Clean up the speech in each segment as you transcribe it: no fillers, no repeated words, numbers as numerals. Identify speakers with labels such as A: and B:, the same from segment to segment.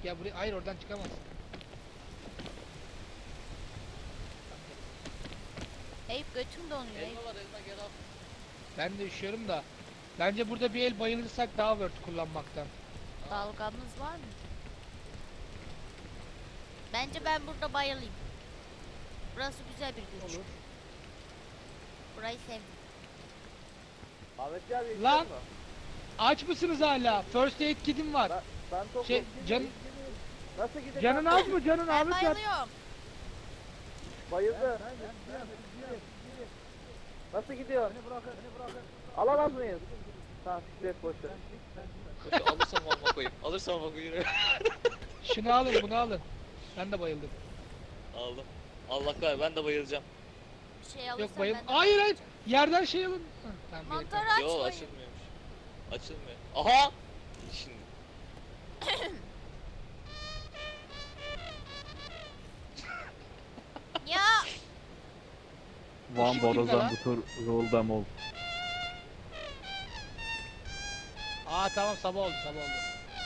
A: Ya buraya, hayır oradan çıkamazsın.
B: Eyüp götüm donuyor Eyüp.
C: Elma var elma gel al.
A: Ben de üşüyorum da. Bence burada bir el bayılırsak daha word kullanmaktan.
B: Dalgamız var mı? Bence ben burada bayılayım. Burası güzel bir güç.
A: Olur.
B: Burayı sevdim.
D: Ahmet abi
A: Lan!
D: içiyor mu?
A: Aç mısınız hala? First aid kit'im var.
D: Ben tokum.
A: Şey,
D: Nasıl gidecek?
A: canın az mı canın
B: Ben
A: Ahmet ya?
B: bayılıyorum.
D: Bayıldı. Nasıl gidiyor? Alamaz mıyız? Tamam siklet boşver.
C: Alırsam alma koyayım. Alırsam alma koyayım.
A: Şunu alın bunu alın. Ben de bayıldım.
C: Aldım. Allah kahretsin ben de bayılacağım.
B: Bir şey alırsam
A: Yok bayıl.
B: ben de
A: Hayır hayır.
B: bayılacağım.
A: Yerden şey alın. Heh, tamam, gerek yok.
B: Mantarı
C: Yo
B: açmayın.
C: açılmıyormuş. Açılmıyor. Aha! Şimdi.
B: Ya
E: Van
A: Işık kimde
E: Borazan
A: lan?
E: bu tur rolda mol.
A: Aa tamam sabah oldu sabah oldu.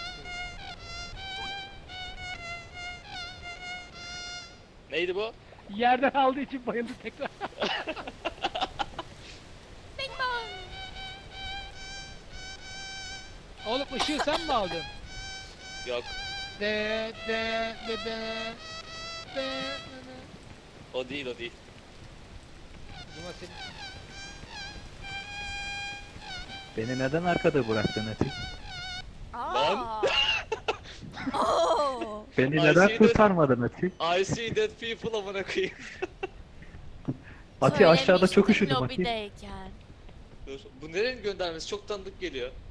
C: Neydi bu?
A: Yerden aldığı için bayıldı tekrar.
B: bing bong.
A: Oğlum ışığı sen mi aldın?
C: Yok.
A: De de de de de de.
C: O değil o değil.
A: O zaman senin...
E: Beni neden arkada bıraktın Ati?
B: Aa. Oo.
E: Beni
C: I
E: neden
C: see
E: kurtarmadın Ati?
C: I see dead people amına koyayım.
E: Ati aşağıda çok
B: Söylemiştim
E: üşüdüm Ati.
B: lobideyken.
C: Dur. Bu nerenin göndermesi çok tanıdık geliyor.